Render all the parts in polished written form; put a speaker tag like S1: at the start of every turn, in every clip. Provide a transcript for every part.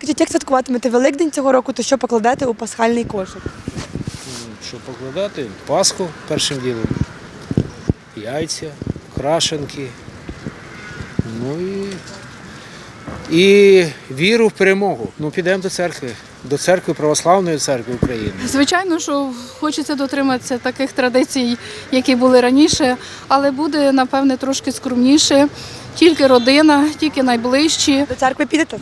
S1: Скажіть, як святкуватимете Великдень цього року, то що покладете у пасхальний кошик?
S2: Що покладати? Пасху першим ділом, яйця, крашенки, ну і віру в перемогу. Ну, підемо до церкви Православної церкви України.
S3: Звичайно, що хочеться дотриматися таких традицій, які були раніше, але буде, напевне, трошки скромніше. Тільки родина, тільки найближчі.
S1: До церкви підете?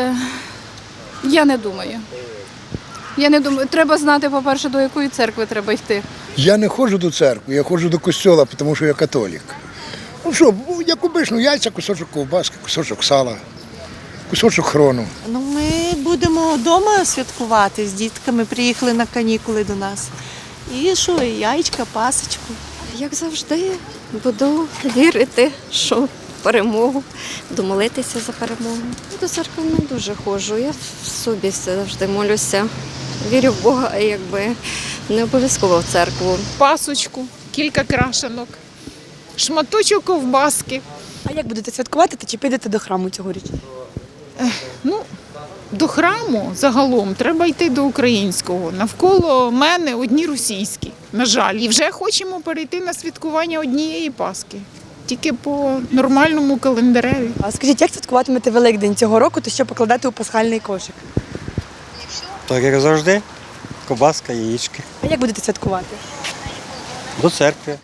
S3: Я не думаю. Треба знати, по-перше, до якої церкви треба йти.
S4: Я не ходжу до церкви, я ходжу до костьола, тому що я католік. Ну що, як обично, яйця, кусочок ковбаски, кусочок сала, кусочок хрону.
S5: Ну, ми будемо вдома святкувати з дітками, приїхали на канікули до нас. І що, і яєчка, пасочку.
S6: Як завжди, буду вірити, що в перемогу, буду молитися за перемогу. До церкви не дуже ходжу, я в собі завжди молюся. Вірю в Бога, а не обов'язково в церкву.
S7: Пасочку, кілька крашенок, шматочок ковбаски.
S1: А як будете святкувати та чи підете до храму цьогоріч?
S7: До храму загалом треба йти до українського. Навколо мене одні російські, на жаль. І вже хочемо перейти на святкування однієї Пасхи. Тільки по нормальному календареві.
S1: А скажіть, як святкуватимете Великдень цього року, то що покладете у пасхальний кошик?
S8: Так як завжди, ковбаска, яєчки.
S1: А як будете святкувати?
S8: До церкви.